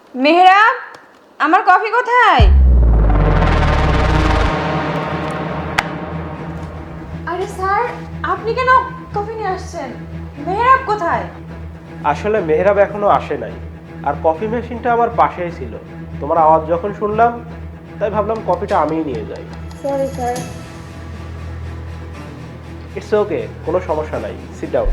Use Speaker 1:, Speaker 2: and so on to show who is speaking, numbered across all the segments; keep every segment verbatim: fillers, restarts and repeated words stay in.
Speaker 1: মেহরাব, আমার কফি কোথায়? আরে স্যার, আপনি কেন কফি নিয়ে আসছেন? মেহরাব কোথায়?
Speaker 2: আসলে মেহরাব এখনো আসে নাই, আর কফি মেশিনটা আমার পাশেই ছিল। তোমার আওয়াজ যখন শুনলাম তাই ভাবলাম কফিটা আমিই নিয়ে যাই।
Speaker 1: Sorry sir.
Speaker 2: ইটস ওকে, কোনো সমস্যা নাই, সিট ডাউন।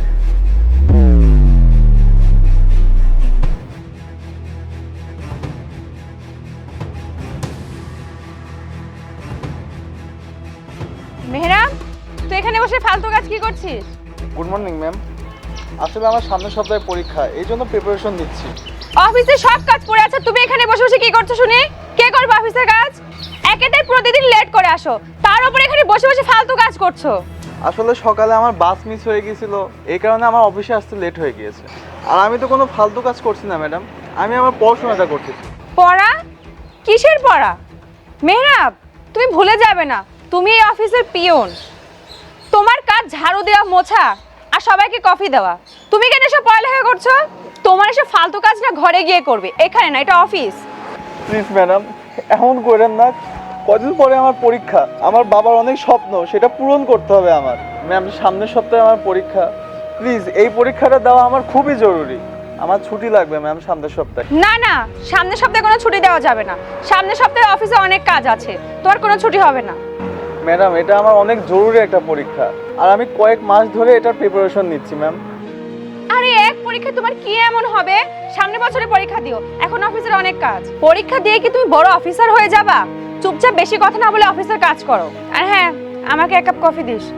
Speaker 1: মেহরাব, তুই এখানে বসে ফালতু কাজ কি করছিস?
Speaker 3: Good morning ma'am. আসলে আমার সামনের সপ্তাহে পরীক্ষা, এই জন্য প্রিপারেশন নিচ্ছি।
Speaker 1: অফিসে সব কাজ পড়ে আছে, তুমি এখানে বসে বসে কি করছো শুনি? কে করবে অফিসের কাজ? একেতেই প্রতিদিন লেট করে আসো, তার উপর এখানে বসে বসে ফালতু কাজ করছো।
Speaker 3: আসলে সকালে আমার বাস মিস হয়ে গিয়েছিল, এই কারণে আমার অফিসে আসতে লেট হয়ে গিয়েছে। আর আমি তো কোনো ফালতু কাজ করছি না ম্যাডাম, আমি আমার পড়াশোনাটা করতেছি।
Speaker 1: পড়া? কিসের পড়া? মেহরাব, তুমি ভুলে যাবে না তুমি এই অফিসের পিয়ন। তোমার কাজ ঝাড়ু দেওয়া, মোছা আর সবাইকে কফি দেওয়া। তুমি কেন এসব পড়ালেখা করছো? তোমার এসব ফালতু কাজ না ঘরে গিয়ে করবে, এখানে না, এটা অফিস।
Speaker 3: প্লিজ ম্যাডাম, এমন করেন না। কদিন পরে আমার পরীক্ষা, আমার বাবার অনেক স্বপ্ন, সেটা পূরণ করতে হবে আমার। ম্যাম, সামনের সপ্তাহে আমার পরীক্ষা, প্লিজ এই পরীক্ষাটা দেওয়া আমার খুবই জরুরি। আমার ছুটি লাগবে ম্যাম সামনের সপ্তাহে।
Speaker 1: না না, সামনের সপ্তাহে কোনো ছুটি দেওয়া যাবে না। সামনের সপ্তাহে অফিসে অনেক কাজ আছে, তোমার কোনো ছুটি হবে না।
Speaker 3: ম্যাডাম, এটা আমার অনেক জরুরি একটা পরীক্ষা, আর আমি কয়েক মাস ধরে এটার প্রিপারেশন নিচ্ছি ম্যাম।
Speaker 1: আরে এক পরীক্ষা তোমার কি এমন হবে? সামনের বছরে পরীক্ষা দিও, এখন অফিসের অনেক কাজ। পরীক্ষা দিয়ে কি তুমি বড় অফিসার হয়ে যাবা? চুপচাপ বেশি কথা না বলে অফিসের কাজ করো। আর হ্যাঁ, আমাকে এক কাপ কফি দিস।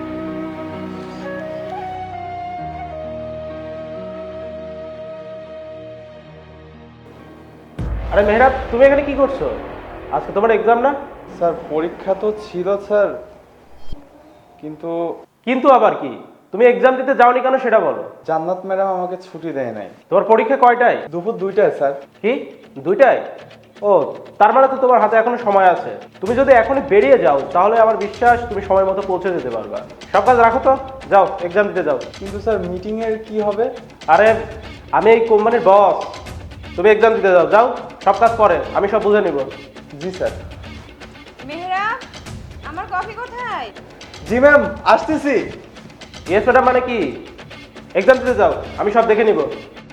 Speaker 2: আরে মেহরাব, তুমি এখানে কি করছো? আজকে তোমার এক্সাম না?
Speaker 3: স্যার, পরীক্ষা তো ছিল স্যার, কিন্তু
Speaker 2: কিন্তু আবার কি? তুমি এক্সাম দিতে যাওনি কেন সেটা বলো।
Speaker 3: জান্নাত ম্যাডাম আমাকে ছুটি দেয় নাই।
Speaker 2: তোমার পরীক্ষা কয়টায়?
Speaker 3: দুপুর দুইটায় স্যার।
Speaker 2: কি, দুইটায়? ও, তার মানে তো তোমার হাতে এখনো সময় আছে। তুমি যদি এখনই বেরিয়ে যাও তাহলে আমার বিশ্বাস তুমি সময় মতো পৌঁছে যেতে পারবা। সব কাজ রাখো তো, যাও এক্সাম দিতে যাও।
Speaker 3: কিন্তু স্যার, মিটিং এর কি হবে?
Speaker 2: আরে আমি এই কোম্পানির বস, তুমি এক্সাম দিতে যাও, যাও। সব কাজ পরে, আমি সব বুঝে নিব।
Speaker 3: জি স্যার।
Speaker 1: মেহরাব, আমার কফি কোথায়?
Speaker 3: জি ম্যাম, আসতেছি।
Speaker 2: ইয়েস ম্যাডাম মানে কি? এক্সাম দিতে যাও, আমি সব দেখে নিব।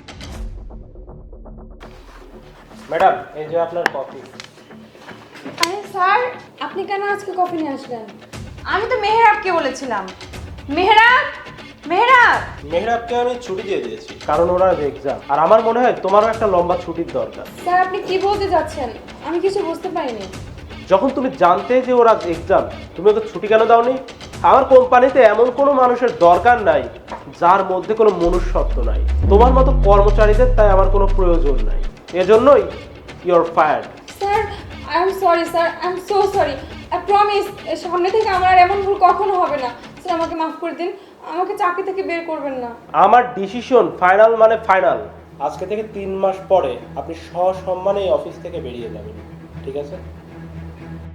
Speaker 2: ম্যাডাম, এই যে আপনার কফি।
Speaker 1: আরে স্যার, আপনি কেন আজকে কফি নিয়ে আসলেন? আমি তো মেহরাবকে বলেছিলাম। মেহরাব, মেহরাব।
Speaker 2: মেহরাবকে আমি ছুটি দিয়ে দিয়েছি কারণ ওরা এক্সাম, আর আমার মনে হয় তোমারও একটা লম্বা ছুটির দরকার।
Speaker 1: স্যার, আপনি কি বলতে যাচ্ছেন? আমি কিছু বুঝতে পারিনি।
Speaker 2: যখন তুমি জানতে যে ওরা এক্সাম, তুমি ওকে ছুটি কেন দাওনি? আমার কোম্পানিতে এমন কোনো মানুষের দরকার নাই যার মধ্যে কোনো মনুষ্যত্ব নাই। তোমার মতো কর্মচারীদের তাই আমার কোনো প্রয়োজন নাই। এজন্যই you are fired.
Speaker 1: Sir, I am sorry sir, I am so sorry. I promise সামনে থেকে আমার আর এমন ভুল কখনো হবে না। স্যার, আমাকে মাফ করে দিন, আমাকে চাকরি থেকে বের করবেন না।
Speaker 2: আমার ডিসিশন ফাইনাল মানে ফাইনাল। আজকে থেকে তিন মাস পরে আপনি সসম্মানে এই অফিস থেকে বেরিয়ে যাবেন, ঠিক আছে?